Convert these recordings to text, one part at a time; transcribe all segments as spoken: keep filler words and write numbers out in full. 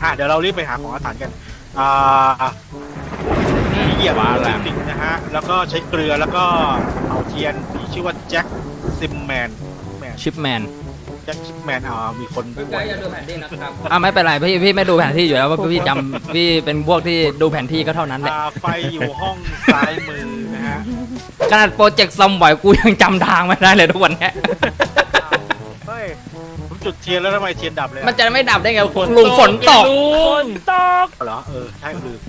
อ่ะเดี๋ยวเรารีบไปหาของอาถรรพ์กันอ่าเหยียบจริงๆนะฮะแล้วก็ใช้เกลือแล้วก็เอาเทียนมีชื่อว่าแจ็คซิมแมนชิปแมนแจ็คชิปแมนอ่ามีคนไกด์อย่าดูแผนที่นะครับอ่าไม่เป็นไรพี่พี่ไม่ดูแผนที่อยู่แล้วว่าพี่จำพี่เป็นพวกที่ดูแผนที่ก็เท่านั้นแหละไฟอยู่ห้องซ้ายมือนะฮะขนาดโปรเจกต์ซอมบ่อยกูยังจำทางไม่ได้เลยทุกวันนี้เฮ้ยผมจุดเทียนแล้วทำไมเทียนดับเลยมันจะไม่ดับได้ไงลุงฝนตกฝนตกเหรอเออใช่ลืม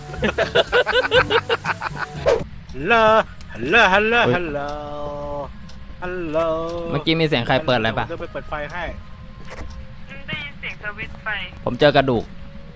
ฮัลโหลฮัลโหลฮัลโหลฮัลโหลเมื่อกี้มีเสียงใครเปิดอะไรปะเดี๋ยวไปเปิดไฟให้ได้ยินเสียงสวิตช์ไฟผมเจอกระดูก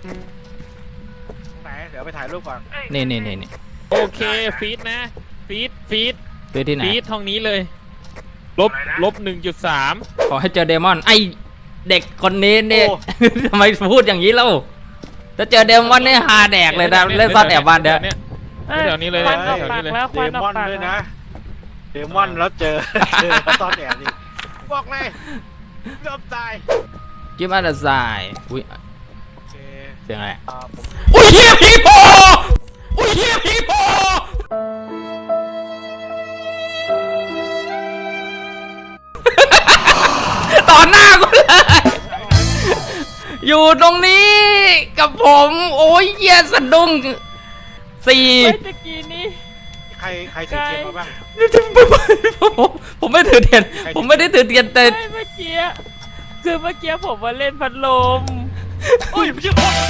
ไหนเดี๋ยวไปถ่ายรูปก่อนนี่นี่นี่นี่โอเคฟีดนะฟีดฟีดฟีดที่ไหนฟีดห้องนี้เลยลบลบหนึ่งจุดสามขอให้เจอเดมอนไอเด็กคนนี้เนี่ยทำไมพูดอย่างนี้เล่าถ้าเจอเดมอนเนี่ยฮาแดกเลยนะเล่นซ่อนแอบบ้านเดี๋ยวเดี๋ยวนี้เลยควันออกปากแล้วควันออกปากด้วยนะเดมอนแล้วเจอเจอซ่อนแอบดิบอกเลยยอมตายกิมอันด์ไซอุ้ยเสียงอะไรอุ้ยเฮียพีโพอุ้ยเฮียพีโพต่อหน้ากูเลยอยู่ตรงนี้กับผมโอ้ยเฮียสะดุ้งสี่ตะกี้นี้ใครใครถือเทียนมาบ้างผมไม่ถือเทียนผมไม่ได้ถือเทียนแต่เมื่อกี้คือเมื่อกี้ผมมาเล่นพัดลมอุ้ยไม่ใช่คน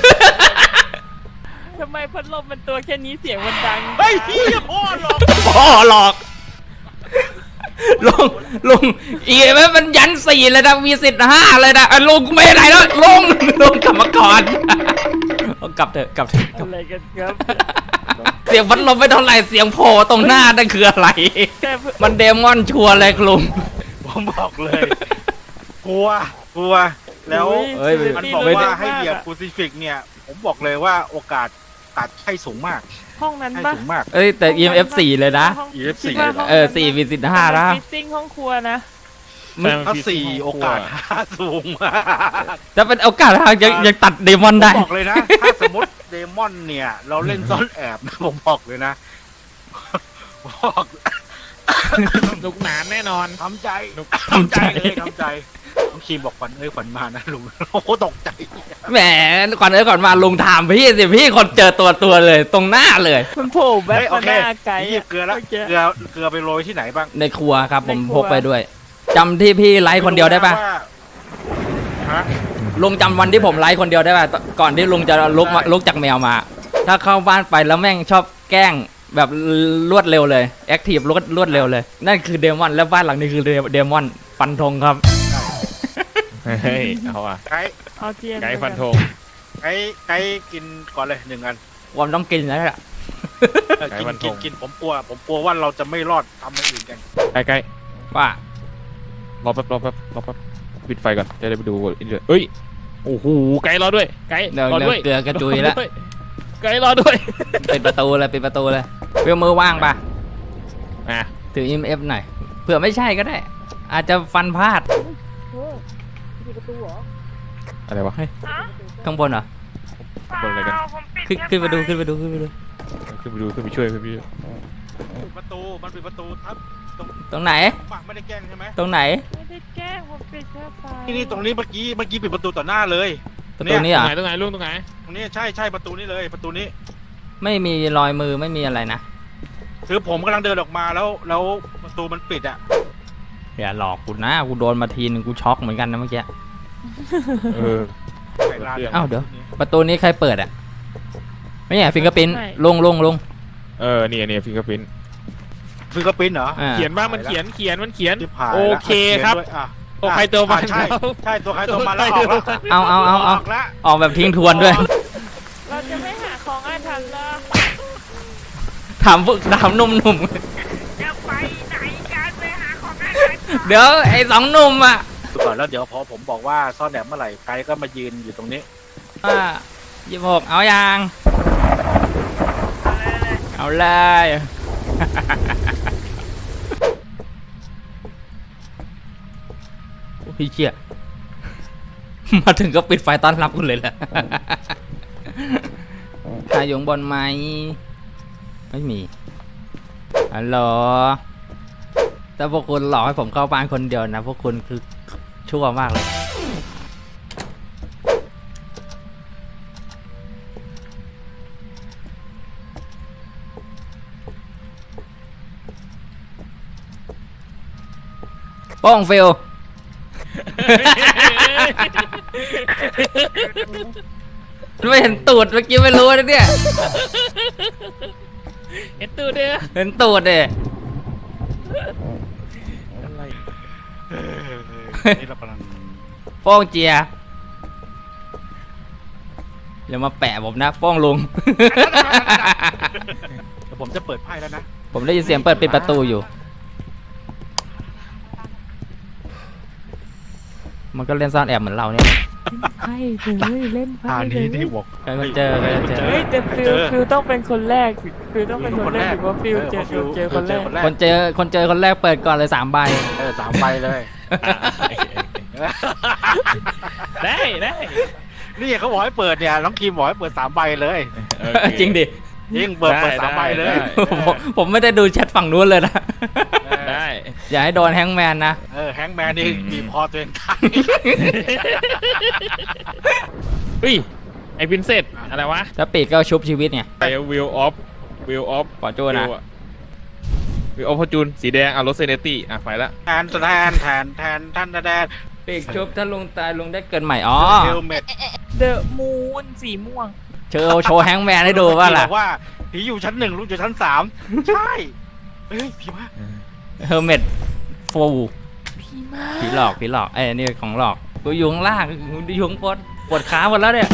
ทำไมพัดลมมันตัวแค่นี้เสียงมันดังเฮ้ยพี่พ่อหลอกพ่อหลอกลงลงอีกไหมมันยันสี่เลยนะมีสิทธิ์ห้าเลยนะลงไม่ไหนแล้วลงลงกลับมาก่อนกลับเถอะกลับเถอะอะไรกันครับเสียงพัดลมไม่เท่าไหร่เสียงโผล่ตรงหน้านั่นคืออะไรมันเดมอนชัวร์เลยลุงผมบอกเลยกลัวกลัวแล้วมันบอกว่าให้เหยียบคูซิฟิกเนี่ยผมบอกเลยว่าโอกาสตัดให้สูงมากห้องนั้นปะสูงมากเอ้ยแต่ อี เอ็ม เอฟ สี่เลยนะอี เอ็ม เอฟ สี่เออสี่มีสิทธิ์ห้านะฟิซซิ่งห้องครัวนะถ้าสี่โอกาสห้าสูงมากจะเป็นโอกาสห้ายังยังตัดเดมอนได้บอกเลยนะถ้าสมมติเดมอนเนี่ยเราเล่นซ่อนแอบนะผมบอกเลยนะบอกลุกหนานแน่นอนทำใจทำใจเลยทำใจน้องคีมบอกขวัญเอ้ยขวัญมานะลุงโอ้โหตกใจแหมขวัญเอ้ยขวัญมาลุงถามพี่สิพี่คนเจอตัวตัวเลยตรงหน้าเลยมันโผล่แบบหน้าไกลเกลือแล้วเกลือเกลือไปโรยที่ไหนบ้างในครัวครับผมพกไปด้วยจำที่พี่ไลฟ์คนเดียวได้ปะลุงจำวันที่ผมไลฟ์คนเดียวได้ปะก่อนที่ลุงจะลุกมาลุกจากแมวมาถ้าเข้าบ้านไปแล้วแม่งชอบแกล้งแบบรวดเร็วเลยแอคทีฟรวดรวดเร็วเลยนั่นคือเดมอนแล้วบ้านหลังนี้คือเดมอนฟันธงครับเฮ้ยเอาอ่ะไก่เอาเทียนไก่ฟันธงไก่ไก่กินก่อนเลยหนึ่งอันผมต้องกินแล้วแหละกินกินกินผมกลัวผมกลัวว่าเราจะไม่รอดทำอย่างอื่นกันไก่ไก่ว่ารอแป๊บรอแป๊บรอแป๊บปิดไฟก่อนจะได้ไปดูอินเดียเฮ้ยโอ้โหไก่รอด้วยไก่รอด้วยเกลือกระจุยแล้วไก่รอด้วยปิดประตูเลยปิดประตูเลยเพื่อมือว่างปะอ่ะถือ อี เอ็ม เอฟ หน่อยเผื่อไม่ใช่ก็ได้อาจจะฟันพลาดอะไรวะข้างบนเหรอข้างบนอะไรกันขึ้นขึ้นไปดูขึ้นไปดูขึ้นไปดูขึ้นไปดูขึ้นไปช่วยขึ้นไปช่วยประตูมันปิดประตูทับตรงไหนไม่ได้แกล้งใช่ไหมตรงไหนไม่ได้แกล้งผมปิดแค่ไฟที่นี่ตรงนี้เมื่อกี้เมื่อกี้ปิดประตูต่อหน้าเลยประตูนี้อ่ะตรงไหนตรงไหนลุงตรงไหนตรงนี้ใช่ใช่ประตูนี้เลยประตูนี้ไม่มีรอยมือไม่มีอะไรนะคือผมกำลังเดินออกมาแล้วแล้วประตูมันปิดอ่ะอย่าหลอกกูนะกูโดนมาทีนึงกูช็อกเหมือนกันนะเมื่อกี้เอออ้าวเดี๋ยวประตูนี้ใครเปิดอ่ะไม่ใช่ฟิงเกอร์พิ้นลงลงลงเออเนี่ยเนี่ยฟิงเกอร์พิ้นฟิงเกอร์พิ้นเหรอเขียนบ้างมันเขียนเขียนมันเขียนโอเคครับตัวใครตัวมันใช่ใช่ตัวใครตัวมันแล้วออกแล้วเอาเอาเอาเอาออกแบบทิ้งทวนด้วยเราจะไม่หาของอาถรรพ์ละถามพวกถามหนุ่มหนุ่มจะไปไหนกันไปหาของอาถรรพ์เดี๋ยวไอ้สองหนุ่มอ่ะก่อนแล้วเดี๋ยวพอผมบอกว่าซ่อนแอบเมื่อไหร่ไกด์ก็มายืนอยู่ตรงนี้อ่ายี่สิบหกเอายังเอาเลยพี่เชี่ยมาถึงก็ปิดไฟต้อนรับคุณเลยแหละใครอยู่ข้างบนไหมไม่มีฮัลโหลถ้าพวกคุณหลอกให้ผมเข้าบ้านคนเดียวนะพวกคุณคือชั่วมากเลยโป้งฟิล ไม่เห็นตูดเมื่อกี้ไม่รู้นะเนี่ยเอ็นตูเด้อเห็นตูดเด้อะไรเออนี่เรากำลังโป้งเจียอย่ามาแปะผมนะโป้งลุงเดี๋ยวผมจะเปิดไพ่แล้วนะผมได้ยินเสียงเปิดปิดประตูอยู่ มันก็เล่นซ่อนแอบเหมือนเราเนี่ยไพ่เลยเล่นไพ่อ่าเลนี้ยที่บอกใครมาเจอใครมาเจอเฮ้ยแต่ฟิลฟิลต้องเป็นคนแรกฟิลต้องเป็นคนแรกหรือว่าฟิลเจอฟิลเจอคนแรกคนเจอคนเจอคนแรกเปิดก่อนเลยสามใบเออสามใบเลยได้ได้นี่เขาบอกให้เปิดเนี่ยน้องคิมบอกให้เปิดสามใบเลยโอเคจริงดิยิ่งเปิดเปิดสามใบเลยได้ผมผมไม่ได้ดูแชทฝั่งนู้นเลยนะได้อย่าให้โดนแฮงก์แมนนะเออแฮงก์แมนนี่บีบคอตัวเองตายเฮ้ยไอพินเซตอะไรวะถ้าปีกก็ชุบชีวิตไงไอวิลออฟวิลออฟขอโทษนะวิลออฟพอจูนสีแดงอ่ะรถเซเนตี้อ่ะไปละแทนแทนแทนแทนแทนแทนปีกชุบถ้าลุงตายลุงได้เกิดใหม่ อ๋อเฮลเมตเดอะมูนสีม่วงเชว์โชว์แฮงก์แมนให้ดูว่าล่ะบอกว่าผีอยู่ชั้นหนึ่งลูกอยู่ชั้นสามใช่เฮ้ยผีมาเฮอร์เมดโฟพี่มากผีหลอกผีหลอกไอ้ยนี่ของหลอกกูอยู่ข้างล่างกูอยู่ข้างบนปวดขาหมดแล้วเนี่ย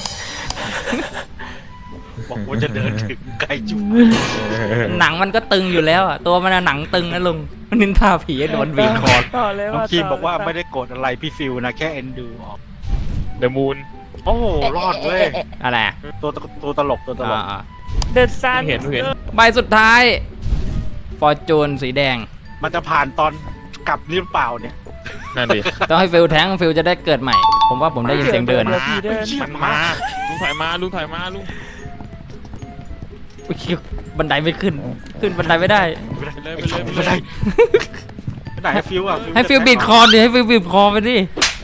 บอกว่าจะเดินถึงไกลจุดหนังมันก็ตึงอยู่แล้วอ่ะตัวมันอะหนังตึงนะลุงมันนินทาผีให้โดนบีบคอต่อเลยน้องว่าคิมบอกว่าไม่ได้โกรธอะไรพี่ฟิวนะแค่เอ็นดูออกเดอะมูนโอ้โหรอดเว้ยอะไรอะตัวตัวตลกตัวตลกอ่าเดอะซันเห็นเห็นๆใบสุดท้ายฟอร์จูนสีแดงมันจะผ่านตอนกลับนี่หรือเปล่าเนี่ยนั่นดิต้องให้ฟิลแทงฟิลจะได้เกิดใหม่ ผมว่าผมได้ยินเสียงเดินมาถอยมาลุงถอยมาลุงถอยมาลุงอุ๊ยบันไดไม่ขึ้น ขึ้นบันไดไม่ได้ไม่ได้ไปเลยไอ้ไปสองเลยไม่ได้ไม่ได้ให้ฟิวอ่ะให้ฟิลบีบคอดิให้ฟิลบีบคอไปดิ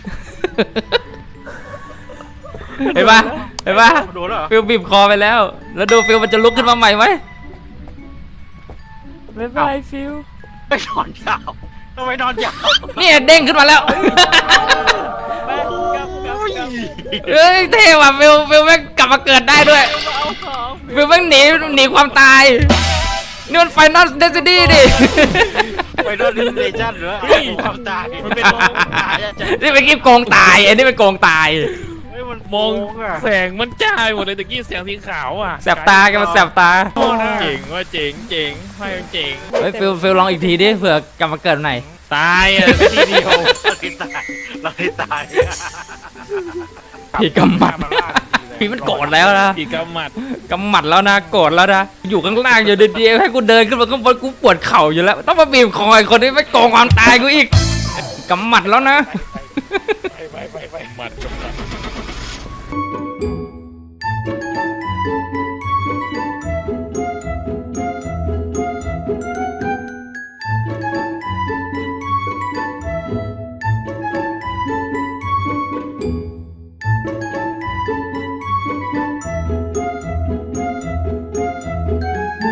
เห็นปะเห็นปะโดนแล้วเหรอฟิลบีบคอไปแล้ว แล้วดูฟิลมันจะลุกขึ้นมาใหม่ไหมบ๊ายบายฟิลไอ้นอนยาวทำไมนอนยาวเนี่ยเด้งขึ้นมาแล้วไปกลับกลับโอ้ยกลับเอ้ยเท่ว่ะฟิลฟิลแม่งกลับมาเกิดได้ด้วยเอาของฟิลแม่งหนีหนีความตาย นี่มันไฟนอลเดซิดี้ดิไปโดนดิสเลชั่นเหรอความตายมันเป็นโลกตายอะจ๊ะนี่เป็นคลิปโกงตายไอ้นี่เป็นโกงตายเฮ้ยมันมองโกอะแสงมันจ้าไปหมดเลยตะกี้แสงสีขาวอ่ะแสบตาแกันมาแสบตาโอ้เจ๋งว่าเจ๋งเจ๋งไพ่มันเจ๋งเฮ้ยฟิลฟิลลองอีกทีดิเผื่อกลับมาเกิดใหม่ตายอ่ะทีเดียวเราที่ตายเราที่ตายผีกำหมัดผีมันโกรธแล้วนะอีกกำหมัดกำหมัดแล้วนะโกรธแล้วนะอยู่ข้างล่างอยู่ดีๆให้กูเดินขึ้นมาข้างบนกูปวดเข่าอยู่แล้ว ต้องมาบีบคอไอ้คนที่ไม่โกงความตายกูอีกกำหมัดแล้วนะไปไปไปไปหมัดกำหมัด